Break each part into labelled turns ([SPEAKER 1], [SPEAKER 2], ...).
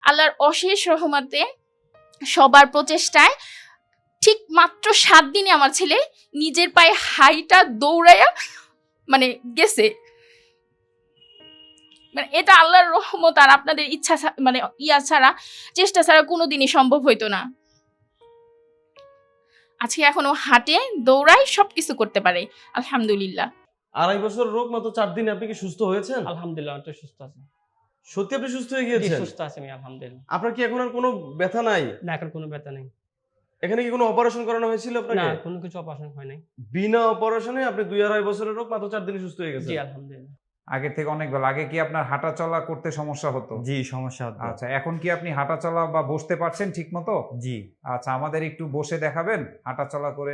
[SPEAKER 1] আল্লাহর অশেষ রহমতে সবার প্রচেষ্টায় ঠিক মাত্র 7 দিনে আমার ছেলে নিজের পায়ে হাইটা দৌড়াইয়া মানে গেছে। মানে এটা আল্লাহর রহমত আর আপনাদের ইচ্ছা মানে ছাড়া, চেষ্টা ছাড়া কোনোদিনই সম্ভব হইতো না। আজকে এখনো হাঁটে, দৌড়ায়, সবকিছু করতে পারে আলহামদুলিল্লাহ।
[SPEAKER 2] 2.5 বছর রোগ মাত্র 4 দিনে আপনি কি সুস্থ হয়েছেন?
[SPEAKER 3] আলহামদুলিল্লাহ, আমি তো সুস্থ আছি।
[SPEAKER 2] সত্যি আপনি সুস্থ হয়ে গিয়েছেন?
[SPEAKER 3] সুস্থ আছি আমি আলহামদুলিল্লাহ।
[SPEAKER 2] আপনার কি এখন আর কোনো ব্যথা নাই?
[SPEAKER 3] না, এখন কোনো ব্যথা নেই।
[SPEAKER 2] এখানে কি কোনো অপারেশন করানো হয়েছিল আপনাকে?
[SPEAKER 3] না, কোনো কিছু অপারেশন হয় নাই।
[SPEAKER 2] বিনা অপারেশনে আপনি 2.5 বছরের রোগ মাত্র 4 দিনে সুস্থ হয়ে গেছেন?
[SPEAKER 3] জি আলহামদুলিল্লাহ।
[SPEAKER 4] আগে থেকে অনেক ভালো। আগে কি আপনার হাঁটা চলা করতে সমস্যা হতো?
[SPEAKER 5] জি, সমস্যা হতো।
[SPEAKER 4] আচ্ছা, এখন কি আপনি হাঁটা চলা বা বসতে পারছেন ঠিক মতো?
[SPEAKER 5] জি।
[SPEAKER 4] আচ্ছা, আমাদের একটু বসে দেখাবেন হাঁটা চলা করে?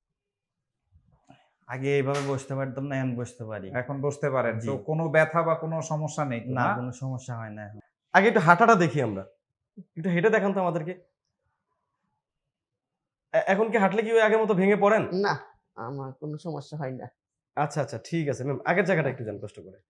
[SPEAKER 5] আগে এইভাবে বসতে পারতাম না, এখন বসতে পারি।
[SPEAKER 4] এখন বসতে পারেন
[SPEAKER 5] জি।
[SPEAKER 4] তো? কোনো ব্যথা বা কোনো সমস্যা নেই তো?
[SPEAKER 5] না,
[SPEAKER 4] না,
[SPEAKER 5] কোনো সমস্যা হয় না এখন।
[SPEAKER 2] আগে একটু হাঁটাটা দেখি আমরা, একটু হেঁটে দেখান তো আমাদেরকে। এখন কি হাঁটলে কি ওই আগের মতো ভেঙে পড়েন?
[SPEAKER 6] না, আমার কোনো সমস্যা হয় না।
[SPEAKER 2] আচ্ছা আচ্ছা, ঠিক আছে ম্যাম, আগের জায়গাটা একটু যান কষ্ট করে।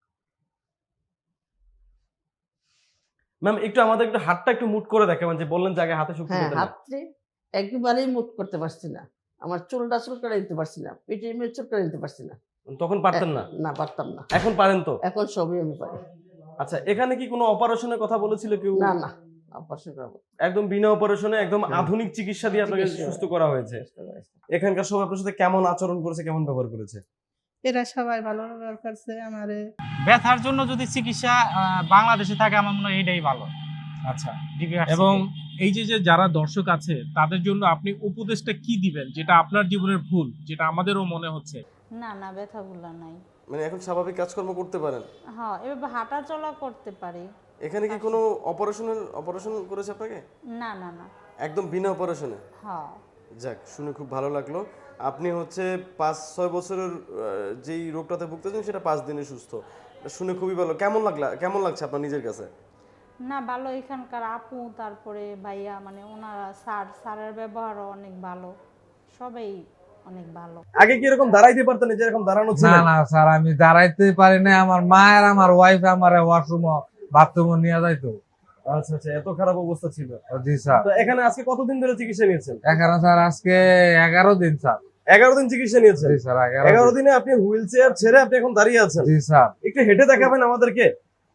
[SPEAKER 2] ম্যাম একটু আমাদের একটু হাতটা একটু মুট করে দেখাবেন, যে বললেন যে আগে হাতে শক্তি
[SPEAKER 6] হ্যাঁ,
[SPEAKER 2] পেতেন না।
[SPEAKER 6] হাতে একেবারেই মুভ করতে পারছি না। আমার চুলটা চুলকাড়ে দিতে পারছি না, পেটের মেয়ে চুলকাড়ে দিতে পারছি না।
[SPEAKER 2] তখন পারতেন না?
[SPEAKER 6] না, পারতাম না।
[SPEAKER 2] এখন পারেন তো?
[SPEAKER 6] এখন সবই আমি পারি।
[SPEAKER 2] আচ্ছা, এখানে কি কোনো অপারেশনের কথা বলেছিল কেউ?
[SPEAKER 6] না না, অপারেশন করাবো।
[SPEAKER 2] একদম বিনা অপারেশনে একদম আধুনিক চিকিৎসা দিয়ে আপনাকে
[SPEAKER 6] চিকিৎসা।
[SPEAKER 2] সুস্থ করা হয়েছে। এখানকার সবাই আপনার সাথে কেমন আচরণ করেছে, কেমন ব্যবহার করেছে?
[SPEAKER 7] এরা সবাই ভালো ব্যবহার করছে আমারে।
[SPEAKER 8] ব্যথার জন্য যদি চিকিৎসা বাংলাদেশে থাকে আমার মনে হয় এটাই ভালো।
[SPEAKER 9] আচ্ছা,
[SPEAKER 8] DPRC
[SPEAKER 9] এবং এই যে যে যারা দর্শক আছে তাদের জন্য আপনি উপদেশটা কি দিবেন, যেটা আপনার জীবনের ভুল, যেটা আমাদেরও মনে হচ্ছে?
[SPEAKER 10] না না, ব্যথাগুলো নাই।
[SPEAKER 2] মানে এখন স্বাভাবিক কাজকর্ম করতে পারেন?
[SPEAKER 10] হ্যাঁ, এভাবে হাঁটা চলা করতে পারি।
[SPEAKER 2] এখানে কি কোনো অপারেশন করেছে আপনাকে?
[SPEAKER 10] না না না।
[SPEAKER 2] একদম বিনা অপারেশনে?
[SPEAKER 10] হ্যাঁ।
[SPEAKER 2] যাক, শুনে খুব ভালো লাগলো। আপনি হচ্ছে 5-6 বছরের যেই রোগটাতে ভুগতেছেন সেটা 5 দিনে সুস্থ। শুনে খুবই ভালো। কেমন লাগছে আপনার নিজের কাছে?
[SPEAKER 10] না, ভালো। এখানকার আপু, তারপরে ভাইয়া, মানে ওনারা স্যারের ব্যবহারও অনেক ভালো, সবাই অনেক ভালো।
[SPEAKER 2] আগে কি এরকম দাঁড়াইতে পারতেন, যে এরকম দাঁড়ানো ছিল?
[SPEAKER 11] না না স্যার, আমি দাঁড়াইতে পারি না। আমার মা আর আমার ওয়াইফ আমার ওয়াশরুম বাথরুম নিয়ে যাইতো।
[SPEAKER 2] আচ্ছা আচ্ছা, এত খারাপ অবস্থা ছিল?
[SPEAKER 11] জি স্যার।
[SPEAKER 2] তো এখানে আজকে কতদিন ধরে চিকিৎসা নিয়েছেন?
[SPEAKER 11] এখানে স্যার আজকে 11 দিন স্যার।
[SPEAKER 2] 11 দিন চিকিৎসা নিয়েছেন?
[SPEAKER 11] জি স্যার,
[SPEAKER 2] 11 দিনে আপনি হুইল চেয়ার ছেড়ে আপনি এখন দাঁড়িয়ে আছেন?
[SPEAKER 11] জি স্যার।
[SPEAKER 2] একটু হেঁটে দেখাবেন আমাদেরকে?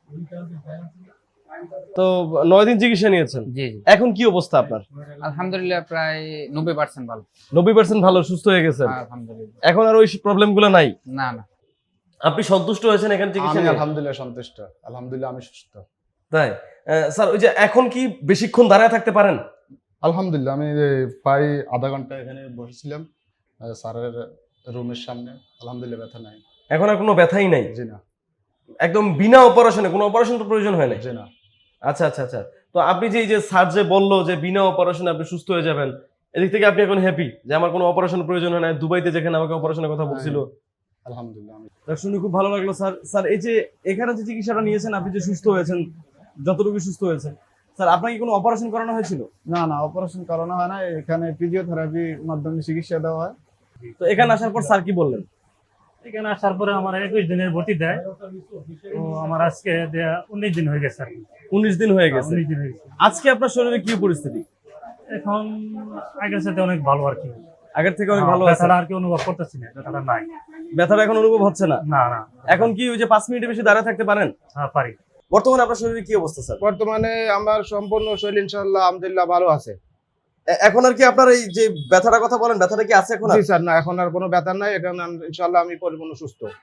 [SPEAKER 2] তো 9 দিন চিকিৎসা নিয়েছেন?
[SPEAKER 3] জি জি।
[SPEAKER 2] এখন কি অবস্থা আপনার?
[SPEAKER 3] আলহামদুলিল্লাহ, প্রায় 90% ভালো।
[SPEAKER 2] 90% ভালো, সুস্থ হয়ে গেছেন?
[SPEAKER 3] আলহামদুলিল্লাহ।
[SPEAKER 2] এখন আর ওই প্রবলেম গুলো নাই?
[SPEAKER 3] না না।
[SPEAKER 2] আপনি সন্তুষ্ট হয়েছেন এখানে চিকিৎসা নিয়ে?
[SPEAKER 12] আলহামদুলিল্লাহ সন্তুষ্ট। আলহামদুলিল্লাহ আমি সুস্থ।
[SPEAKER 2] তাই? স্যার, ওই যে এখন কি বেশিক্ষণ দাঁড়ায় থাকতে পারেন?
[SPEAKER 12] আলহামদুলিল্লাহ, আমি প্রায় আধা ঘন্টা এখানে বসেছিলাম স্যারের রুমের সামনে। আলহামদুলিল্লাহ, ব্যথা নাই।
[SPEAKER 2] এখন আর কোনো ব্যথাই নাই?
[SPEAKER 12] জি না।
[SPEAKER 2] একদম বিনা অপারেশনে? কোনো অপারেশন তো প্রয়োজন হয় না?
[SPEAKER 12] জি না।
[SPEAKER 2] আচ্ছা আচ্ছা আচ্ছা। তো আপনি যে এই যে স্যার যে বললো যে বিনা অপারেশনে আপনি সুস্থ হয়ে যাবেন, এদিক থেকে আপনি এখন হ্যাপি যে আমার কোনো অপারেশন প্রয়োজন হয় না? দুবাইতে যেখানে আমাকে অপারেশনের কথা বলছিল।
[SPEAKER 12] আলহামদুলিল্লাহ আমি
[SPEAKER 2] শুনে খুব ভালো লাগলো স্যার। স্যার, এই যে এখানে যে চিকিৎসাটা নিয়েছেন, আপনি যে সুস্থ হয়েছেন, যতটুকু সুস্থ হয়েছেন, স্যার আপনাকে কোনো অপারেশন করানো হয়েছিল?
[SPEAKER 12] না না, অপারেশন করানো হয় না। এখানে ফিজিওথেরাপির মাধ্যমে চিকিৎসা দেওয়া হয়।
[SPEAKER 2] তো এখানে আসার পর স্যার কি বললেন?
[SPEAKER 8] এখানে আসার পরে আমার 21 দিনের ভর্তি দেয়। তো আমার আজকে 19 দিন হয়ে গেছে আর কি।
[SPEAKER 2] 19 দিন হয়ে গেছে?
[SPEAKER 8] 19 দিন হয়ে গেছে।
[SPEAKER 2] আজকে আপনার শরীরে কি পরিস্থিতি?
[SPEAKER 8] এখন আগের সাথে অনেক ভালো আর কি।
[SPEAKER 2] আগের থেকে অনেক ভালো আছে?
[SPEAKER 8] ব্যথাটা আর কি অনুভব করতেছি না, ব্যথাটা নাই।
[SPEAKER 2] ব্যথাটা এখন অনুভব হচ্ছে না?
[SPEAKER 8] না না।
[SPEAKER 2] এখন কি ওই যে 5 মিনিটের বেশি দাঁড়ায় থাকতে পারেন?
[SPEAKER 8] হ্যাঁ, পারি।
[SPEAKER 2] বর্তমানে আপনার শরীরে কি অবস্থা স্যার?
[SPEAKER 12] বর্তমানে আমার সম্পূর্ণ শরীর ইনশাআল্লাহ আলহামদুলিল্লাহ ভালো আছে।
[SPEAKER 2] এখন আর কি আপনার এই যে ব্যথাটার কথা বলেন, ব্যথাটা কি আছে এখন?
[SPEAKER 12] জি স্যার, না এখন আর কোনো ব্যথা নাই। এখন ইনশাআল্লাহ আমি পরিপূর্ণ সুস্থ।